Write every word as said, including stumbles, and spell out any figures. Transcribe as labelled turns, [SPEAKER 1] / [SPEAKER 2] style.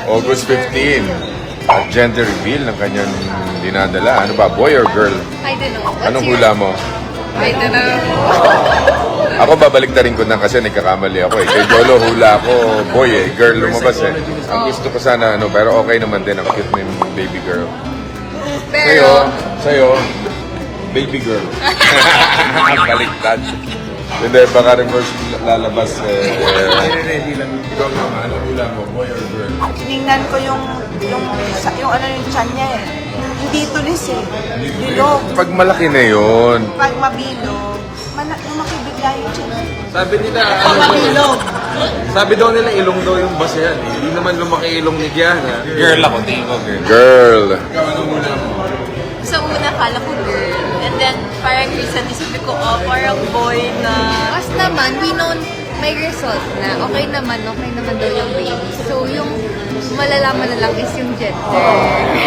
[SPEAKER 1] August fifteenth. At gender reveal ng kanyang dinadala. Ano ba, boy or girl?
[SPEAKER 2] I don't know. What's
[SPEAKER 1] Anong
[SPEAKER 2] your-
[SPEAKER 1] hula mo?
[SPEAKER 2] I don't know.
[SPEAKER 1] Ako babalik na rin ko na kasi nagkakamali ako eh. Kay Jolo hula ako, boy eh. Girl lumabas eh. Ang gusto ko sana ano, pero okay naman din. Ang cute ng baby girl. Sa'yo,
[SPEAKER 2] Pero,
[SPEAKER 1] sa'yo, baby girl. Baliktad. Hindi, baka reverse lalabas eh. Ikaw naman, ano hula mo, boy or girl?
[SPEAKER 3] Tinignan ko yung, yung, sa- yung ano yung chan niya eh. Hindi tulis eh. Bilog.
[SPEAKER 1] Pag malaki na yun,
[SPEAKER 3] Pag mabilog, mana- lumaki bigla yung chan.
[SPEAKER 4] Sabi nila,
[SPEAKER 3] Pag
[SPEAKER 4] ano,
[SPEAKER 3] mabilog.
[SPEAKER 4] sabi daw nila ilong daw yung basehan. Eh. Hindi naman lumaki ilong ni Diana.
[SPEAKER 5] Girl ako, tingin ko girl.
[SPEAKER 1] girl.
[SPEAKER 2] sa una kala ko girl. And then, parang recently sabi ko, oh, parang boy na...
[SPEAKER 6] Mas naman, we know may result na okay naman, okay naman daw yung baby. So, yung malalaman na lang is yung gender.